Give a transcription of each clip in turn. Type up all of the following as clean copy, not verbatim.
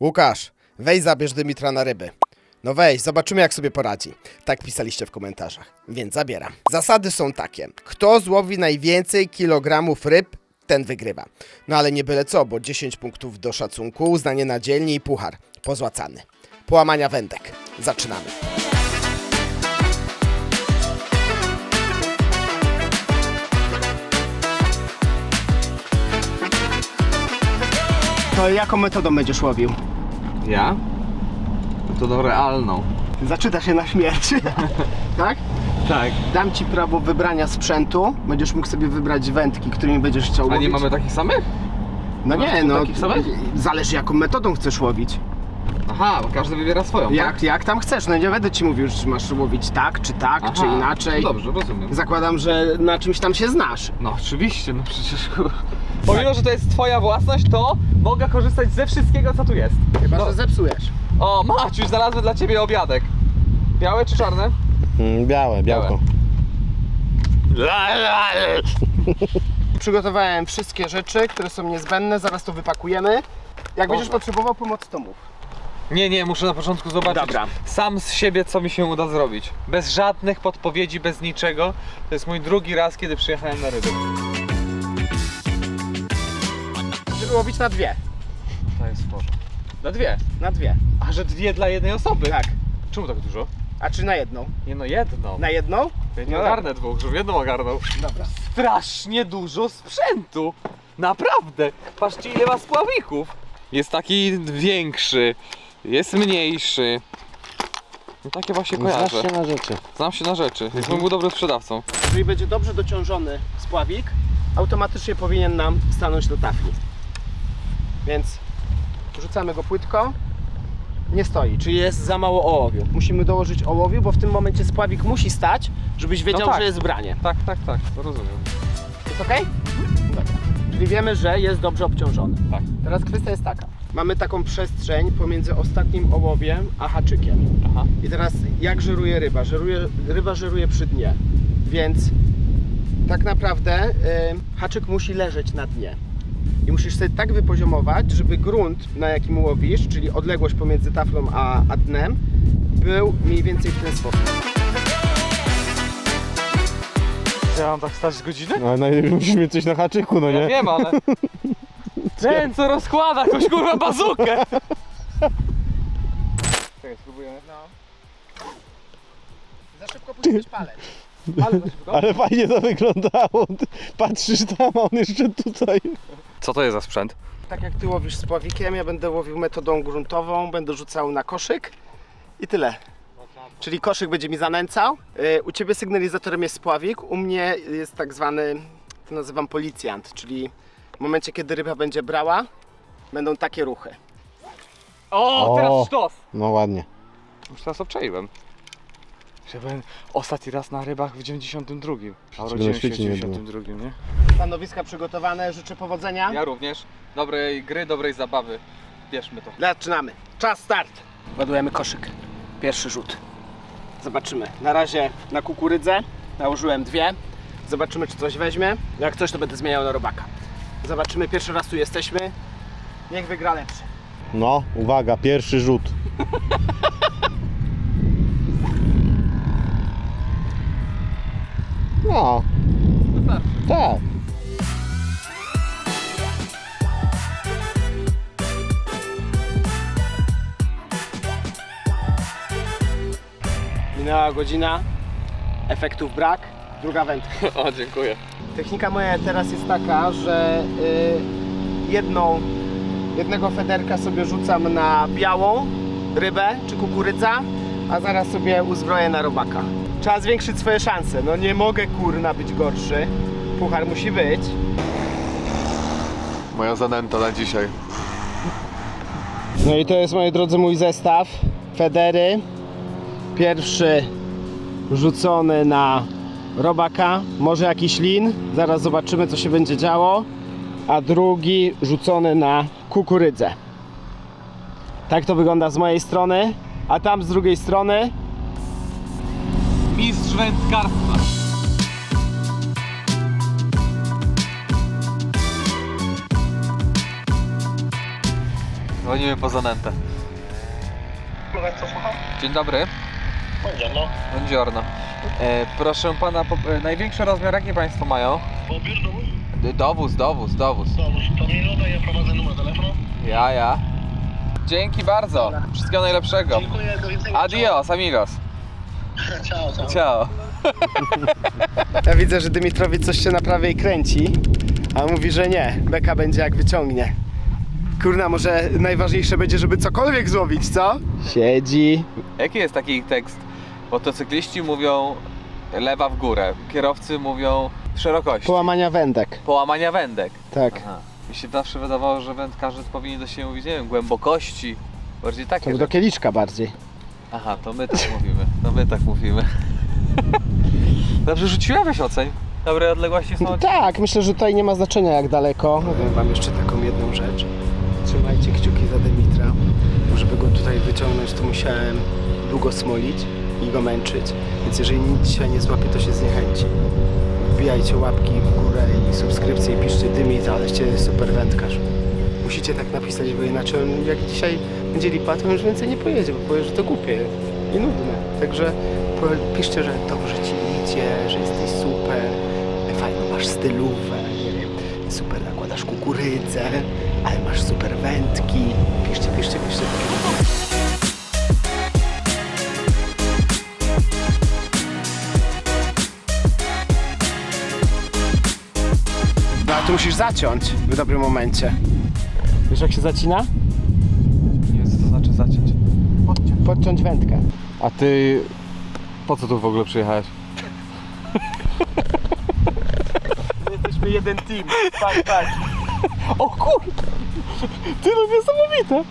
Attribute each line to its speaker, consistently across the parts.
Speaker 1: Łukasz, weź zabierz Dymitra na ryby. No weź, zobaczymy jak sobie poradzi. Tak pisaliście w komentarzach, więc zabieram. Zasady są takie. Kto złowi najwięcej kilogramów ryb, ten wygrywa. No ale nie byle co, bo 10 punktów do szacunku, uznanie na dzielnie i puchar. Pozłacany. Połamania wędek. Zaczynamy. To jaką metodą będziesz łowił?
Speaker 2: Ja? Metodą realną.
Speaker 1: Zaczyta się na śmierć. Tak?
Speaker 2: Tak.
Speaker 1: Dam ci prawo wybrania sprzętu. Będziesz mógł sobie wybrać wędki, którymi będziesz chciał
Speaker 2: A
Speaker 1: łowić.
Speaker 2: nie mamy takich samych?
Speaker 1: No
Speaker 2: masz
Speaker 1: nie,
Speaker 2: tu
Speaker 1: no.
Speaker 2: takich samych?
Speaker 1: Zależy jaką metodą chcesz łowić.
Speaker 2: Aha, bo każdy wybiera swoją, tak?
Speaker 1: Jak tam chcesz. No nie będę ci mówił, czy masz łowić tak, czy tak,
Speaker 2: Aha,
Speaker 1: czy inaczej.
Speaker 2: Dobrze, rozumiem.
Speaker 1: Zakładam, że na czymś tam się znasz.
Speaker 2: No oczywiście, no przecież... Pomimo, że to jest twoja własność, to mogę korzystać ze wszystkiego, co tu jest.
Speaker 1: Chyba,
Speaker 2: No.
Speaker 1: że zepsujesz.
Speaker 2: O, Maciuś, znalazłem dla ciebie obiadek. Białe czy czarne?
Speaker 3: Białe, białko.
Speaker 1: Przygotowałem wszystkie rzeczy, które są niezbędne. Zaraz to wypakujemy. Jak będziesz potrzebował pomocy, to mów.
Speaker 2: Nie, muszę na początku zobaczyć
Speaker 1: Dobra.
Speaker 2: sam z siebie, co mi się uda zrobić. Bez żadnych podpowiedzi, bez niczego. To jest mój drugi raz, kiedy przyjechałem na ryby.
Speaker 1: Żeby łowić na dwie.
Speaker 2: To jest w porządku. Na dwie?
Speaker 1: Na dwie.
Speaker 2: A że dwie dla jednej osoby?
Speaker 1: Tak.
Speaker 2: Czemu tak dużo?
Speaker 1: A czy na jedną?
Speaker 2: Nie no, jedną.
Speaker 1: Na jedną?
Speaker 2: Ja nie
Speaker 1: No
Speaker 2: ogarnę dwóch, żebym jedną ogarnął.
Speaker 1: Dobra.
Speaker 2: Strasznie dużo sprzętu. Naprawdę. Patrzcie, ile ma spławików. Jest taki większy, jest mniejszy. No takie właśnie kojarzę.
Speaker 3: Znasz się na rzeczy.
Speaker 2: Znam się na rzeczy. Jestem był dobrym sprzedawcą.
Speaker 1: Jeżeli będzie dobrze dociążony spławik, automatycznie powinien nam stanąć do tafli. Więc rzucamy go płytko. Nie stoi, czyli jest za mało ołowiu. Musimy dołożyć ołowiu, bo w tym momencie spławik musi stać, żebyś wiedział,
Speaker 2: tak.
Speaker 1: że jest branie.
Speaker 2: Tak, to rozumiem.
Speaker 1: Jest ok? Dobra. Czyli wiemy, że jest dobrze obciążony.
Speaker 2: Tak.
Speaker 1: Teraz kwestia jest taka. Mamy taką przestrzeń pomiędzy ostatnim ołowiem a haczykiem.
Speaker 2: Aha.
Speaker 1: I teraz jak żeruje ryba? Ryba żeruje przy dnie, więc tak naprawdę haczyk musi leżeć na dnie. I musisz sobie tak wypoziomować, żeby grunt, na jakim łowisz, czyli odległość pomiędzy taflą a dnem, był mniej więcej w ten sposób.
Speaker 2: Ja mam tak stać z godziny?
Speaker 3: No najlepiej musisz mieć coś na haczyku, no
Speaker 2: Ja
Speaker 3: nie?
Speaker 2: wiem, ale... Ten co rozkłada jakąś kurwa bazukę! Czekaj, spróbujemy.
Speaker 1: No. Za szybko puściłeś palec.
Speaker 2: Ale za szybko.
Speaker 3: Ale fajnie to wyglądało. Ty patrzysz tam, a on jeszcze tutaj.
Speaker 2: Co to jest za sprzęt?
Speaker 1: Tak jak ty łowisz z pławikiem, ja będę łowił metodą gruntową, będę rzucał na koszyk i tyle. Czyli koszyk będzie mi zanęcał. U ciebie sygnalizatorem jest spławik, u mnie jest tak zwany, to nazywam policjant, czyli w momencie kiedy ryba będzie brała, będą takie ruchy.
Speaker 2: O, teraz sztos!
Speaker 3: No ładnie.
Speaker 2: Już teraz obczaiłem. Że byłem ostatni raz na rybach w 92. A
Speaker 3: Czego
Speaker 2: urodziłem
Speaker 3: na
Speaker 2: się w
Speaker 3: świecie nie było.
Speaker 2: 92, nie?
Speaker 1: Stanowiska przygotowane, życzę powodzenia.
Speaker 2: Ja również. Dobrej gry, dobrej zabawy. Bierzmy to.
Speaker 1: Zaczynamy. Czas start. Ładujemy koszyk. Pierwszy rzut. Zobaczymy. Na razie na kukurydzę nałożyłem dwie. Zobaczymy, czy coś weźmie. Jak coś, to będę zmieniał na robaka. Zobaczymy. Pierwszy raz tu jesteśmy. Niech wygra lepszy.
Speaker 3: No, uwaga, pierwszy rzut. No,
Speaker 2: Wystarczy.
Speaker 3: tak.
Speaker 1: Minęła godzina. Efektów brak. Druga wędka.
Speaker 2: O, dziękuję.
Speaker 1: Technika moja teraz jest taka, że jednego federka sobie rzucam na białą rybę czy kukurydza, a zaraz sobie uzbroję na robaka. Trzeba zwiększyć swoje szanse. No nie mogę kurna być gorszy. Puchar musi być.
Speaker 4: Moja zanęta na dzisiaj.
Speaker 1: No i to jest, moi drodzy, mój zestaw. Federy. Pierwszy rzucony na robaka, może jakiś lin. Zaraz zobaczymy, co się będzie działo. A drugi rzucony na kukurydzę. Tak to wygląda z mojej strony. A tam z drugiej strony
Speaker 2: Mistrz wędkarstwa. Dzwonimy po zanętę. Dzień dobry.
Speaker 4: Buongiorno.
Speaker 2: Buongiorno. Proszę pana, największy rozmiar jaki państwo mają?
Speaker 4: Odbiór dowóz?
Speaker 2: Dowóz.
Speaker 4: Dowóz. To minuta, ja prowadzę numer telefonu.
Speaker 2: Ja. Dzięki bardzo. Wszystkiego najlepszego.
Speaker 4: Dziękuję, do widzenia.
Speaker 2: Adios, amigos.
Speaker 4: Ciao, ciao.
Speaker 2: Ciao.
Speaker 1: Ja widzę, że Dymitrowi coś się na prawej kręci, a on mówi, że nie. Beka będzie jak wyciągnie. Kurna, może najważniejsze będzie, żeby cokolwiek złowić, co? Siedzi.
Speaker 2: Jaki jest taki tekst? Motocykliści mówią lewa w górę, kierowcy mówią szerokości.
Speaker 1: Połamania wędek.
Speaker 2: Połamania wędek.
Speaker 1: Tak.
Speaker 2: Aha. Mi się zawsze wydawało, że wędkarze powinni do siebie mówić, nie wiem, głębokości. Bardziej takie
Speaker 1: To do
Speaker 2: rzeczy.
Speaker 1: kieliszka bardziej.
Speaker 2: Aha, to my tak mówimy. Dobrze rzuciłeś oceń. Dobre odległości są.
Speaker 1: Tak, myślę, że tutaj nie ma znaczenia jak daleko. Powiem wam jeszcze taką jedną rzecz. Trzymajcie kciuki za Dymitra. Żeby go tutaj wyciągnąć, to musiałem długo smolić i go męczyć. Więc jeżeli nic dzisiaj nie złapie, to się zniechęci. Wbijajcie łapki w górę i subskrypcje i piszcie Dymitra, aleście super wędkarz. Musicie tak napisać, bo inaczej on jak dzisiaj będzie lipa, to już więcej nie pojedzie, bo powie, że to głupie i nudne. Także piszcie, że dobrze ci idzie, że jesteś super, fajną masz stylówę, nie wiem, super nakładasz kukurydzę, ale masz super wędki. Piszcie. No a tu musisz zaciąć w dobrym momencie. Wiesz jak się zacina?
Speaker 2: Nie wiem, co to znaczy zaciąć.
Speaker 1: Podciąć wędkę.
Speaker 2: A ty po co tu w ogóle przyjechałeś?
Speaker 1: My jesteśmy jeden team. Tak.
Speaker 2: O kur... Ty no niesamowite!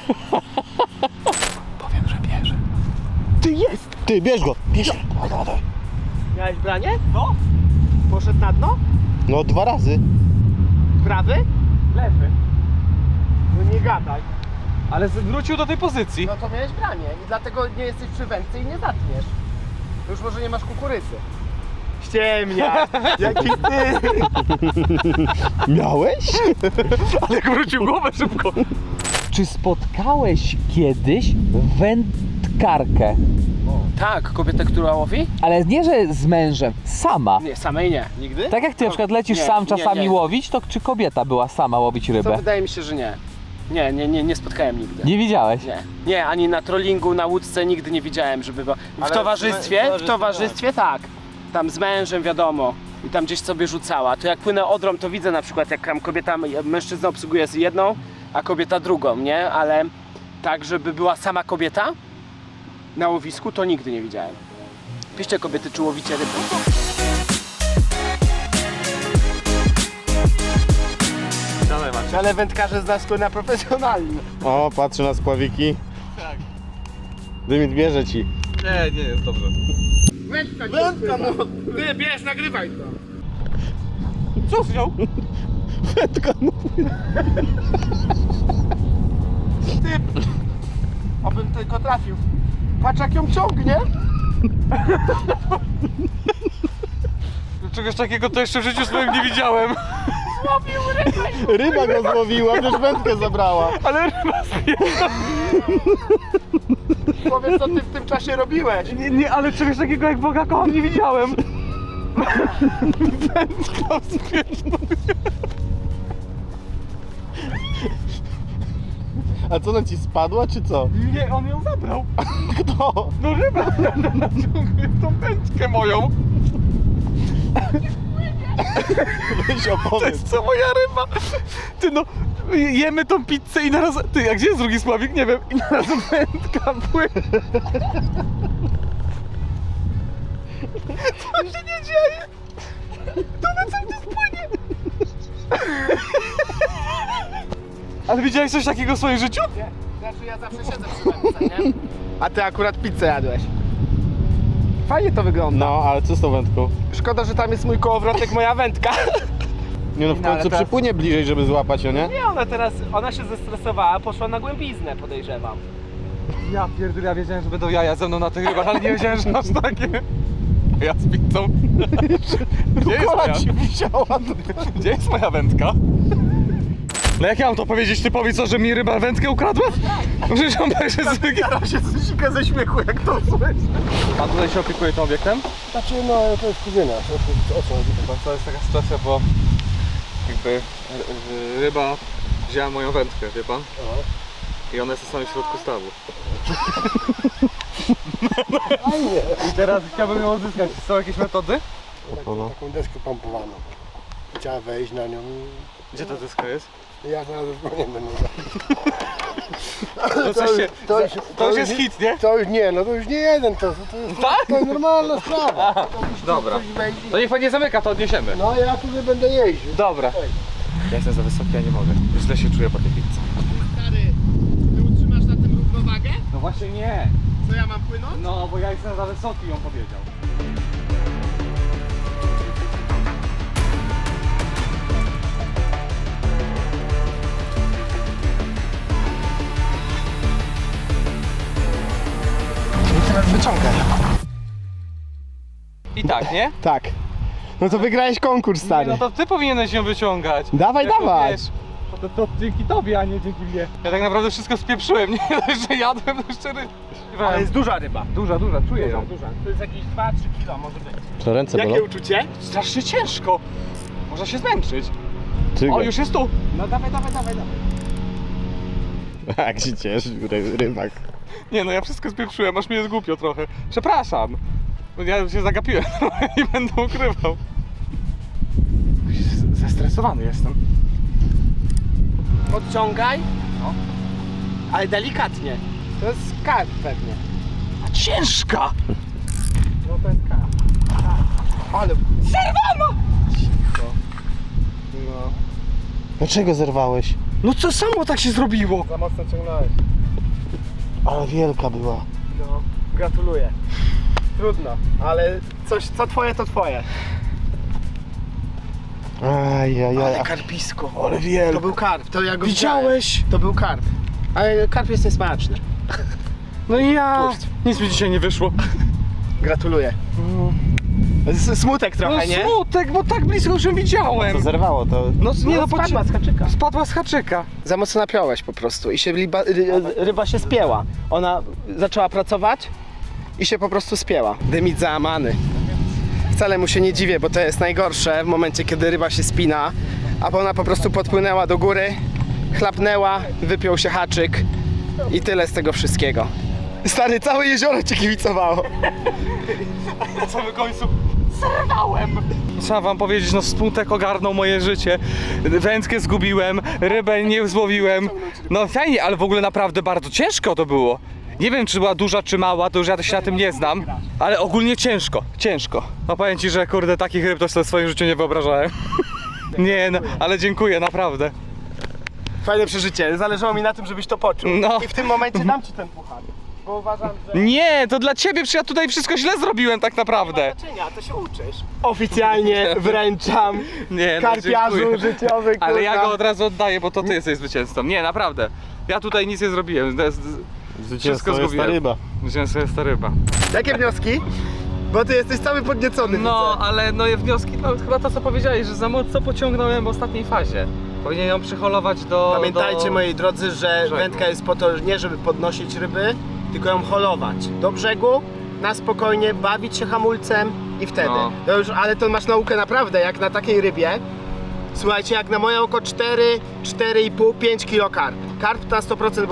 Speaker 2: Powiem, że bierze.
Speaker 1: Ty jest!
Speaker 3: Ty, bierz go!
Speaker 1: Miałeś branie? No. Poszedł na dno?
Speaker 3: No 2 razy.
Speaker 1: Prawy? Lewy. No nie gadaj.
Speaker 2: Ale wrócił do tej pozycji.
Speaker 1: No to miałeś branie i dlatego nie jesteś przy wędce i nie zatniesz. To już może nie masz kukurydzy. Ściemnia! Jaki ty!
Speaker 3: Miałeś?
Speaker 2: Ale jak wrócił głowę szybko.
Speaker 5: Czy spotkałeś kiedyś wędkarkę?
Speaker 1: Tak, kobietę, która łowi?
Speaker 5: Ale nie, że z mężem, sama.
Speaker 1: Nie, samej nie. Nigdy?
Speaker 5: Tak jak ty na przykład lecisz
Speaker 1: Nie,
Speaker 5: sam
Speaker 1: nie,
Speaker 5: czasami
Speaker 1: nie.
Speaker 5: łowić, to czy kobieta była sama łowić
Speaker 1: To
Speaker 5: rybę?
Speaker 1: wydaje mi się, że nie. Nie spotkałem nigdy.
Speaker 5: Nie widziałeś?
Speaker 1: Nie, ani na trollingu, na łódce nigdy nie widziałem, żeby była.
Speaker 2: Ale
Speaker 1: W towarzystwie tak. Tam z mężem wiadomo. I tam gdzieś sobie rzucała. To jak płynę Odrą, to widzę na przykład jak tam kobieta, mężczyzna obsługuje z jedną, a kobieta drugą, nie? Ale tak, żeby była sama kobieta na łowisku, to nigdy nie widziałem. Piszcie kobiety, czy łowicie ryby.
Speaker 2: Dalej macie.
Speaker 1: Ale wędkarze z nas na profesjonalni.
Speaker 3: O, patrzy na spławiki.
Speaker 2: Tak.
Speaker 3: Dymit bierze ci.
Speaker 2: Nie, jest dobrze.
Speaker 1: Wędka, no! Ty, bierz, nagrywaj to!
Speaker 2: Co wziął?
Speaker 3: Wędka, no.
Speaker 1: Ty! Obym tylko trafił. Patrz jak ją ciągnie!
Speaker 2: Czegoś takiego to jeszcze w życiu swoim nie widziałem.
Speaker 3: Ryba go złowiła, też wędkę zabrała.
Speaker 2: Ale ryba
Speaker 1: Powiedz co ty w tym czasie robiłeś.
Speaker 2: nie, ale czegoś takiego jak Boga kocham nie widziałem.
Speaker 3: A co, ona ci spadła, czy co?
Speaker 2: Nie, on ją zabrał.
Speaker 3: Kto?
Speaker 2: No ryba naciągnie tą pęczkę moją.
Speaker 3: Weź
Speaker 2: To
Speaker 3: opowiedz.
Speaker 2: jest co moja ryba. Ty no, jemy tą pizzę i naraz... Ty, a gdzie jest drugi sławik? Nie wiem. I naraz wędka płynie. Co się nie dzieje? To na cały czas płynie. Ale widziałeś coś takiego w swoim życiu?
Speaker 1: Nie, znaczy ja zawsze siedzę przy wędce, nie? A ty akurat pizzę jadłeś. Fajnie to wygląda.
Speaker 3: No, ale co z tą wędką?
Speaker 1: Szkoda, że tam jest mój kołowrotek, moja wędka.
Speaker 3: Nie no, w
Speaker 1: No, ale
Speaker 3: końcu
Speaker 1: teraz-
Speaker 3: przypłynie bliżej, żeby złapać ją, nie?
Speaker 1: Nie, ona się zestresowała, poszła na głębiznę, podejrzewam.
Speaker 2: Ja pierdolę, ja wiedziałem, że będą jaja ze mną na tych rybach, ale nie wiedziałem, że aż takie. Ja z pizzą. Gdzie jest
Speaker 3: Kola
Speaker 2: moja?
Speaker 3: ci wisiała.
Speaker 2: Gdzie jest moja wędka? No jak ja mam to powiedzieć typowi, co, że mi ryba wędkę ukradła? No przecież on będzie
Speaker 1: Staram się zsika ze śmiechu, jak to słyszę.
Speaker 2: Pan tutaj się opiekuje tym obiektem?
Speaker 3: Znaczy, no to jest kuzyna. O co chodzi?
Speaker 2: Chyba to jest taka sytuacja, bo jakby ryba wzięła moją wędkę, wie pan? I ona jest na samym środku stawu. I teraz chciałbym ją odzyskać. Są jakieś metody?
Speaker 3: Taką deskę pompowaną. Chciała wejść na nią
Speaker 2: Gdzie ta deska jest?
Speaker 3: i ja zaraz już nie będę.
Speaker 2: No coś się, to już jest hit, nie?
Speaker 3: To już nie, no to już nie jeden, to jest normalna sprawa.
Speaker 2: Dobra. To niech pan nie zamyka, to odniesiemy.
Speaker 3: No ja tutaj będę jeździł.
Speaker 2: Dobra. Ja jestem za wysoki, ja nie mogę. Źle się czuję po tej pizzce.
Speaker 1: Stary, ty utrzymasz na tym równowagę?
Speaker 2: No właśnie nie.
Speaker 1: Co ja mam płynąć?
Speaker 2: No, bo ja jestem za wysoki, on powiedział.
Speaker 1: Teraz wyciągaj.
Speaker 2: I tak, nie?
Speaker 1: Tak. No to wygrałeś konkurs,
Speaker 2: Nie,
Speaker 1: stary.
Speaker 2: no to ty powinieneś ją wyciągać.
Speaker 1: Dawaj,
Speaker 2: Jako,
Speaker 1: dawaj.
Speaker 2: wiesz, to dzięki tobie, a nie dzięki mnie. Ja tak naprawdę wszystko spieprzyłem, nie dość, że jadłem, to jeszcze
Speaker 1: Ale jest duża ryba.
Speaker 2: duża, czuję ją.
Speaker 1: Duża. To jest jakieś 2-3 kilo może być.
Speaker 3: To ręce
Speaker 1: Jakie uczucie?
Speaker 2: Strasznie ciężko. Można się zmęczyć.
Speaker 3: Ty
Speaker 2: O, już jest tu.
Speaker 1: No dawaj, dawaj, dawaj, dawaj.
Speaker 3: Jak się cieszy rybak.
Speaker 2: Nie no, ja wszystko spieprzyłem, aż mi jest głupio trochę. Przepraszam. Ja się zagapiłem i będę ukrywał. Zestresowany jestem.
Speaker 1: Podciągaj.
Speaker 2: No.
Speaker 1: Ale delikatnie. To jest karp pewnie.
Speaker 2: A ciężka!
Speaker 1: No to jest karp. Ale...
Speaker 2: Zerwano!
Speaker 1: No.
Speaker 3: Dlaczego zerwałeś?
Speaker 2: No co samo tak się zrobiło?
Speaker 1: Za mocno ciągnąłeś.
Speaker 3: Ale wielka była.
Speaker 1: No. Gratuluję. Trudno, ale coś, co twoje, to twoje.
Speaker 3: Ajajaj.
Speaker 1: karpisko.
Speaker 3: Ale wielka.
Speaker 1: To był karp, to ja go
Speaker 2: Widziałeś?
Speaker 1: widziałem. To był karp. Ale karp jest niesmaczny.
Speaker 2: No i ja...
Speaker 1: Puść.
Speaker 2: Nic mi dzisiaj nie wyszło.
Speaker 1: Gratuluję. Smutek trochę,
Speaker 2: No
Speaker 1: nie?
Speaker 2: smutek, bo tak blisko już ją widziałem.
Speaker 3: To zerwało to.
Speaker 2: No nie, no
Speaker 1: spadła z haczyka.
Speaker 2: Spadła z haczyka.
Speaker 1: Za mocno napiąłeś po prostu i się ryba się spięła. Ona zaczęła pracować i się po prostu spięła. Dymit załamany. Wcale mu się nie dziwię, bo to jest najgorsze w momencie, kiedy ryba się spina, a ona po prostu podpłynęła do góry, chlapnęła, wypiął się haczyk i tyle z tego wszystkiego. Stary, całe jezioro cię kibicowało.
Speaker 2: Na samym końcu zerwałem. Trzeba wam powiedzieć, no smutek ogarnął moje życie. Wędkę zgubiłem, rybę nie złowiłem. No fajnie, ale w ogóle naprawdę bardzo ciężko to było. Nie wiem, czy była duża, czy mała, to już ja się na tym nie znam. Ale ogólnie ciężko, ciężko. No powiem ci, że kurde, takich ryb to sobie w swoim życiu nie wyobrażałem. Nie no, ale dziękuję, naprawdę.
Speaker 1: Fajne przeżycie, zależało mi na tym, żebyś to poczuł.
Speaker 2: No.
Speaker 1: I w tym momencie dam ci ten puchar, bo uważam, że...
Speaker 2: Nie, to dla ciebie, przecież ja tutaj wszystko źle zrobiłem tak naprawdę.
Speaker 1: znaczenia, to się uczysz. Oficjalnie wręczam
Speaker 2: Nie, no,
Speaker 1: karpiarzu
Speaker 2: dziękuję.
Speaker 1: życiowy, kurwa.
Speaker 2: Ale ja go od razu oddaję, bo to ty jesteś zwycięzcą. Nie, naprawdę. Ja tutaj nic nie zrobiłem. Wszystko
Speaker 3: jest ta
Speaker 2: zgubiłem.
Speaker 3: ryba.
Speaker 2: Zwycięstwo jest ta ryba.
Speaker 1: Jakie wnioski? Bo ty jesteś cały podniecony.
Speaker 2: No,
Speaker 1: widzę.
Speaker 2: ale no wnioski, no chyba to co powiedziałeś, że za mocno pociągnąłem w ostatniej fazie. Powinien ją przyholować do...
Speaker 1: Pamiętajcie, moi drodzy, że
Speaker 2: brzegu.
Speaker 1: wędka jest po to nie, żeby podnosić ryby, tylko ją holować do brzegu, na spokojnie, bawić się hamulcem i wtedy.
Speaker 2: No.
Speaker 1: To już, ale to masz naukę naprawdę, jak na takiej rybie. Słuchajcie, jak na moje oko 4,5, 5 kilo karp. Karp na 100%,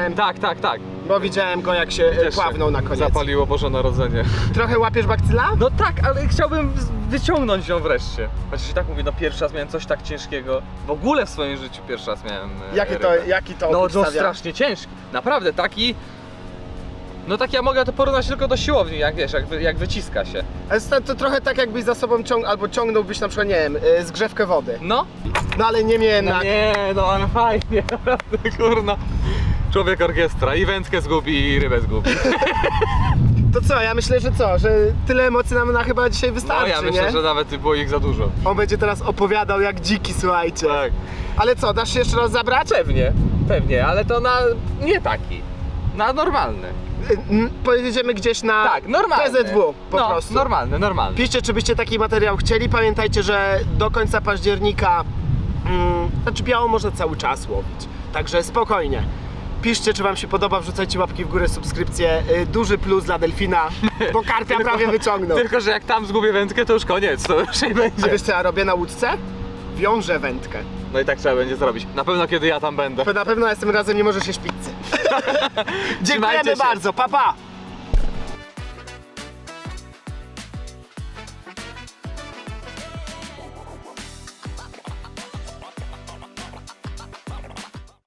Speaker 1: bo widziałem go, jak się
Speaker 2: Też
Speaker 1: pławnął na koniec.
Speaker 2: Zapaliło Boże Narodzenie.
Speaker 1: Trochę łapiesz bakcyla?
Speaker 2: No tak, ale chciałbym wyciągnąć ją wreszcie. Chociaż i tak mówię, no pierwszy raz miałem coś tak ciężkiego. W ogóle w swoim życiu pierwszy raz miałem
Speaker 1: Jaki to
Speaker 2: No,
Speaker 1: opór
Speaker 2: no
Speaker 1: stawia?
Speaker 2: strasznie ciężki. Naprawdę, taki... No tak ja mogę to porównać tylko do siłowni, jak wiesz, jak wyciska się.
Speaker 1: Ale to trochę tak, jakbyś za sobą albo ciągnąłbyś na przykład, nie wiem, zgrzewkę wody.
Speaker 2: No,
Speaker 1: No ale nie miałem
Speaker 2: no nie, no ale fajnie, naprawdę, kurna. Człowiek orkiestra i wędkę zgubi, i rybę zgubi.
Speaker 1: To co, ja myślę, że co, że tyle emocji nam na chyba dzisiaj
Speaker 2: No
Speaker 1: wystarczy,
Speaker 2: ja myślę,
Speaker 1: nie?
Speaker 2: że nawet było ich za dużo.
Speaker 1: On będzie teraz opowiadał jak dziki, słuchajcie.
Speaker 2: Tak.
Speaker 1: Ale co, dasz się jeszcze raz zabrać?
Speaker 2: Pewnie, ale to na... nie taki. Na normalny.
Speaker 1: Pojedziemy gdzieś na
Speaker 2: Tak, normalny.
Speaker 1: PZW po
Speaker 2: no,
Speaker 1: prostu.
Speaker 2: normalny.
Speaker 1: Piszcie, czy byście taki materiał chcieli. Pamiętajcie, że do końca października Znaczy białą można cały czas łowić. Także spokojnie. Piszcie, czy wam się podoba, wrzucajcie łapki w górę, subskrypcje. Duży plus dla delfina, bo karpia prawie wyciągnął.
Speaker 2: Tylko, że jak tam zgubię wędkę, to już koniec, to już nie
Speaker 1: A
Speaker 2: będzie.
Speaker 1: wiesz co ja robię na łódce? Wiążę wędkę.
Speaker 2: No i tak trzeba będzie zrobić. Na pewno kiedy ja tam będę.
Speaker 1: To na pewno następnym razem nie możesz jeść pizzy. Dziękujemy
Speaker 2: się.
Speaker 1: bardzo, pa pa!